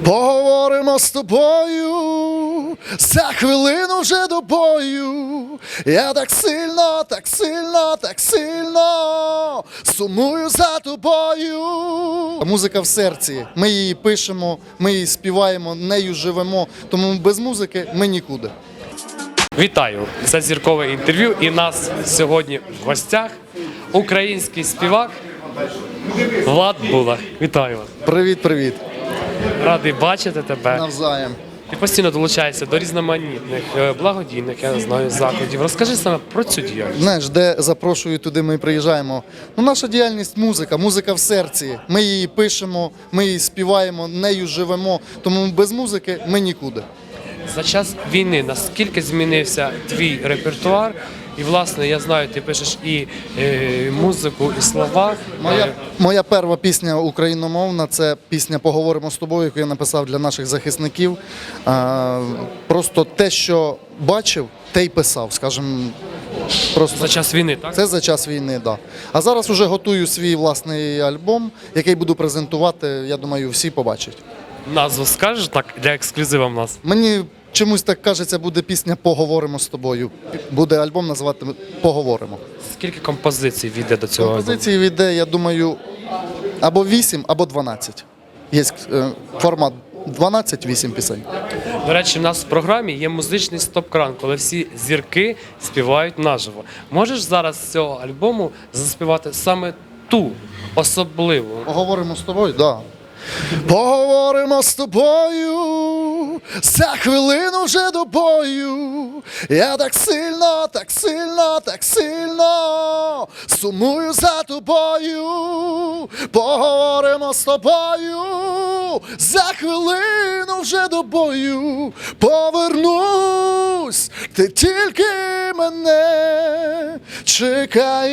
Поговоримо з тобою за хвилину вже до бою. Я так сильно, так сильно, так сильно сумую за тобою. Музика в серці. Ми її пишемо, ми її співаємо, нею живемо. Тому без музики ми нікуди. Вітаю! Це зіркове інтерв'ю, і нас сьогодні в гостях український співак Влад Булах. Вітаю вас! Привіт. Радий бачити тебе. Навзаєм. Ти постійно долучаєшся до різноманітних благодійних, я знаю, заходів. Розкажи саме про цю діяльність. Знаєш, де запрошують, туди ми приїжджаємо. Наша діяльність музика в серці. Ми її пишемо, ми її співаємо, нею живемо. Тому без музики ми нікуди. За час війни наскільки змінився твій репертуар? І, власне, я знаю, ти пишеш і музику, і слова. Моя перша пісня україномовна – це пісня «Поговоримо з тобою», яку я написав для наших захисників. Просто те, що бачив, те й писав, скажімо. Просто За час війни, так? це за час війни, так. Да. А зараз вже готую свій власний альбом, який буду презентувати, я думаю, всі побачать. Назву скажеш так, для ексклюзива в нас? Мені чомусь так кажеться, буде пісня «Поговоримо з тобою». Буде альбом називати «Поговоримо». Скільки композицій війде до цього? Композиції війде, я думаю, або 8, або 12. Є формат 12-8 пісень. До речі, в нас в програмі є музичний стоп-кран, коли всі зірки співають наживо. Можеш зараз з цього альбому заспівати саме ту особливу? Поговоримо з тобою, так. Да. Поговоримо з тобою за хвилину вже до бою. Я так сильно, так сильно, так сильно сумую за тобою. Поговоримо з тобою за хвилину вже до бою. Повернусь, ти тільки мене чекай.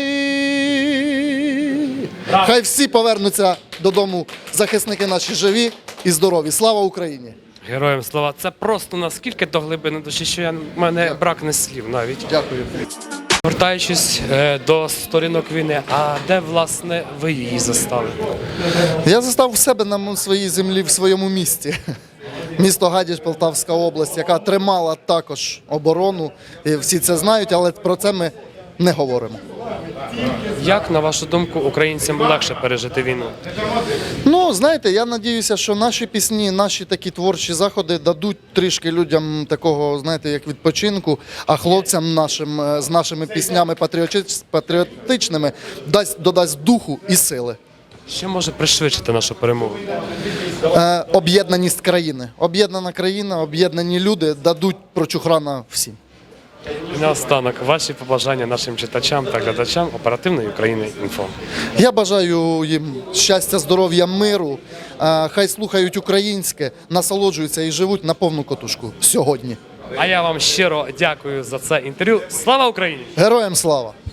Хай всі повернуться додому, захисники наші живі і здорові. Слава Україні! Героям слава. Це просто наскільки до глибини душі, що в мене бракне слів навіть. Дякую. Повертаючись до сторінок війни, а де, власне, ви її застали? Я застав в себе на своїй землі, в своєму місті. Місто Гадяч, Полтавська область, яка тримала також оборону. І всі це знають, але про це ми не говоримо. Як, на вашу думку, українцям легше пережити війну? Ну, знаєте, я сподіваюся, що наші пісні, наші такі творчі заходи дадуть трішки людям такого, знаєте, як відпочинку, а хлопцям нашим з нашими піснями патріотичними додасть духу і сили. Що може пришвидшити нашу перемогу? Об'єднаність країни. Об'єднана країна, об'єднані люди дадуть прочухрана всім. І наостанок, ваші побажання нашим читачам та глядачам оперативної України інфо. Я бажаю їм щастя, здоров'я, миру. Хай слухають українське, насолоджуються і живуть на повну котушку сьогодні. А я вам щиро дякую за це інтерв'ю. Слава Україні! Героям слава!